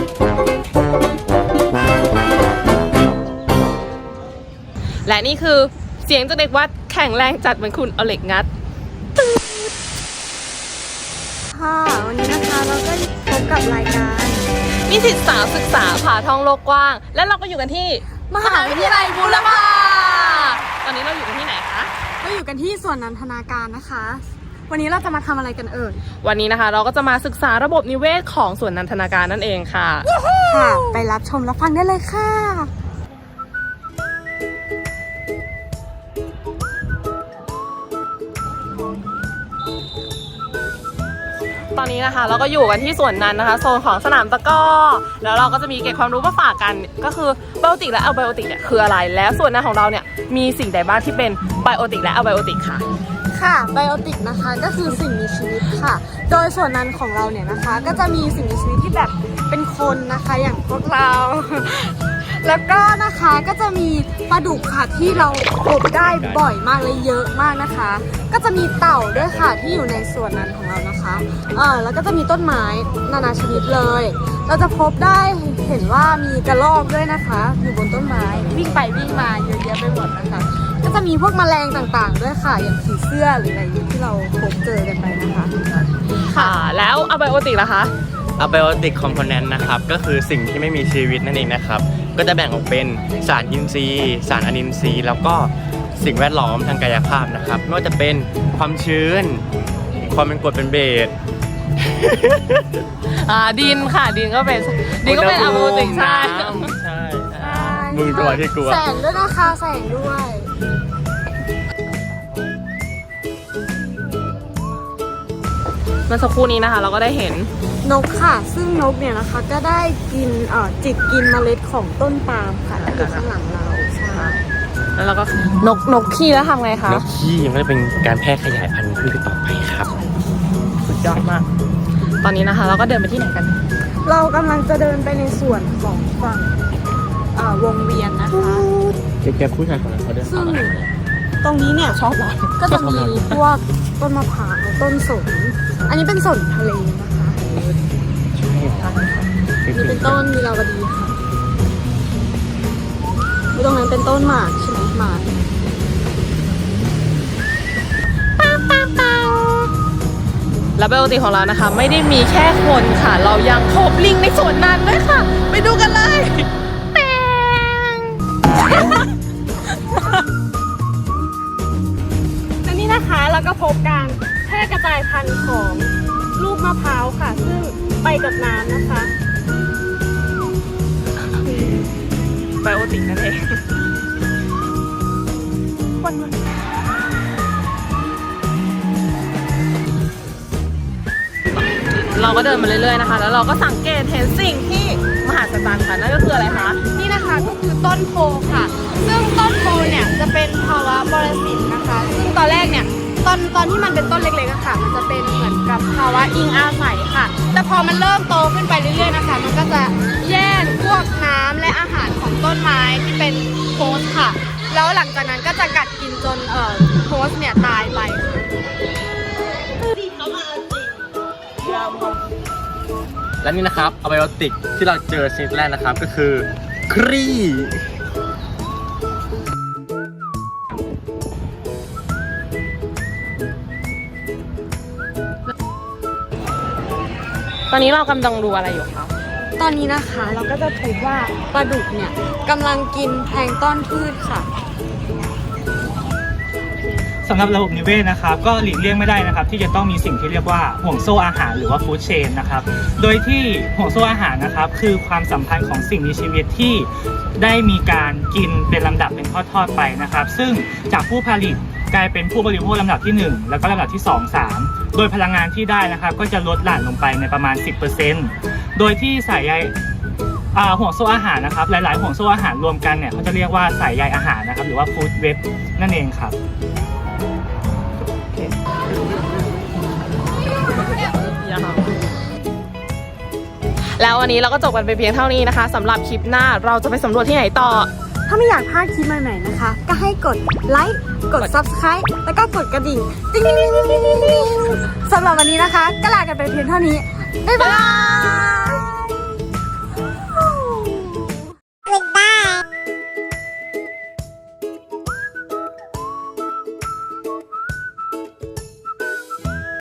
และนี่คือเสียงจากเด็กวัดแข็งแรงจัดเหมือนคุณเอาเหล็กงัดค่ะวันนี้นะคะเราก็พบกับรายการนิสิตสาวศึกษาผ่าท่องโลกกว้างและเราก็อยู่กันที่มหาวิทยาลัยบูรพาตอนนี้เราอยู่กันที่ไหนคะเราอยู่กันที่ส่วนนันทนาการนะคะวันนี้เราจะมาทำอะไรกันเอ่ยวันนี้นะคะเราก็จะมาศึกษาระบบนิเวศของส่วนนันทนาการนั่นเองค่ะค่ะไปรับชมรับฟังได้เลยค่ะตอนนี้นะคะเราก็อยู่กันที่ส่วนนั้นนะคะโซนของสนามตะกร้อแล้วเราก็จะมีเก็บความรู้มาฝากกันก็คือไบโอติกและอัลไบโอติกเนี่ยคืออะไรแล้วส่วนนั้นของเราเนี่ยมีสิ่งใดบ้างที่เป็นไบโอติกและอัลไบโอติกค่ะค่ะไบโอติกนะคะก็คือสิ่งมีชีวิตค่ะโดยส่วนนั้นของเราเนี่ยนะคะก็จะมีสิ่งมีชีวิตที่แบบเป็นคนนะคะอย่างพวกเราแล้วก็นะคะก็จะมีปลาดุกค่ะที่เราพบได้บ่อยมากเลยเยอะมากนะคะก็จะมีเต่าด้วยค่ะที่อยู่ในส่วนนั้นของเรานะคะแล้วก็จะมีต้นไม้นานาชนิดเลยเราจะพบได้เห็นว่ามีกระรอกด้วยนะคะอยู่บนต้นไม้วิ่งไปวิ่งมาเยอะแยะไปหมดนะคะก็จะมีพวกแมลงต่างๆด้วยค่ะอย่างผีเสื้อหรืออะไรที่เราพบเจอกันไปนะคะค่ะแล้วอัลไบโอติกล่ะคะอะไบโอติกคอมโพเนนต์นะครับก็คือสิ่งที่ไม่มีชีวิตนั่นเองนะครับก็จะแบ่งออกเป็นสารอินทรีย์สารอนินทรีย์แล้วก็สิ่งแวดล้อมทางกายภาพนะครับไม่ว่าจะเป็นความชื้นความเป็นกรดเป็นเบสดินค่ะดินก็เป็นอะไบโอติกใช่มึงตัวที่กลัวแสงด้วยนะคะแสงด้วยเมื่อสักครู่นี้นะคะเราก็ได้เห็นนกค่ะซึ่งนกเนี่ยนะคะก็ได้กินจิกกินเมล็ดของต้นปาล์มค่ะที่อยู่ข้างหลังเราใช่แล้วเราก็นกขี้แล้วทำไงคะนกขี้มันจะเป็นการแพร่ขยายพันธุ์พืชต่อไปครับสุดยอดมากตอนนี้นะคะเราก็เดินไปที่ไหนกันเรากำลังจะเดินไปในส่วนของฝั่งวงเวียนนะคะแกผู้ชายคนนั้นเขาเดินซึ่งตรงนี้เนี่ยชอบก็จะมีพวกต้นมะพร้าวต้นสนอันนี้เป็นสนทะเลนะคะนี่เป็นต้นมีลาวดีค่ะตรงนั้นเป็นต้นหมากใช่ไหมหมากและไบโอติกของเรานะคะไม่ได้มีแค่คนค่ะเรายังพบลิงในสวนนั้นด้วยค่ะไปดูกันเลยและนี่นะคะเราก็พบการแพร่กระจายพันธุ์ของลูกมะพร้าวค่ะซึ่งไปกับน้ำนะคะไบโอติกนั่นเองเราก็เดินมาเรื่อยๆนะคะแล้วเราก็สังเกตเห็นสิ่งที่มหัศจรรย์ค่ะนั่นก็คืออะไรคะนี่นะคะก็คือต้นโพค่ะซึ่งต้นโพเนี่ยจะเป็นภาวะปรสิตนะคะซึ่งตอนแรกเนี่ยตอนที่มันเป็นต้นเล็กๆอะค่ะมันจะเป็นเหมือนกับภาวะอิงอาศัยค่ะแต่พอมันเริ่มโตขึ้นไปเรื่อยๆนะคะมันก็จะแย่งพวกน้ำและอาหารของต้นไม้ที่เป็นโฮสต์ค่ะแล้วหลังจากนั้นก็จะกัดกินจนโฮสต์เนี่ยตายไปและนี่นะครับอะไบโอติกที่เราเจอชนิดแรกนะครับก็คือครีตอนนี้เรากำลังดูอะไรอยู่คะตอนนี้นะคะเราก็จะพบว่าปลาดุกเนี่ยกำลังกินแพลงก์ต้นพืชค่ะสำหรับระบบนิเวศนะครับก็หลีกเลี่ยงไม่ได้นะครับที่จะต้องมีสิ่งที่เรียกว่าห่วงโซ่อาหารหรือว่าฟู้ดเชนนะครับโดยที่ห่วงโซ่อาหารนะครับคือความสัมพันธ์ของสิ่งมีชีวิตที่ได้มีการกินเป็นลำดับเป็นทอดๆไปนะครับซึ่งจากผู้ผลิตกลายเป็นผู้บริโภคลำดับที่1แล้วก็ลำดับที่2 3โดยพลังงานที่ได้นะครับก็จะลดหลั่นลงไปในประมาณ 10% โดยที่สายใยห่วงโซ่อาหารนะครับหลายๆห่วงโซ่อาหารรวมกันเนี่ยเขาจะเรียกว่าสายใยอาหารนะครับหรือว่าฟู้ดเว็บนั่นเองครับแล้ววันนี้เราก็จบกันไปเพียงเท่านี้นะคะสำหรับคลิปหน้าเราจะไปสำรวจที่ไหนต่อถ้าไม่อยากพลาดคลิปใหม่ๆนะคะก็ให้กดไลค์กด Subscribe แล้วก็กดกระดิ่งติ๊งๆๆๆๆสำหรับวันนี้นะคะก็ลากันไปเพียงเท่านี้บ๊ายบาย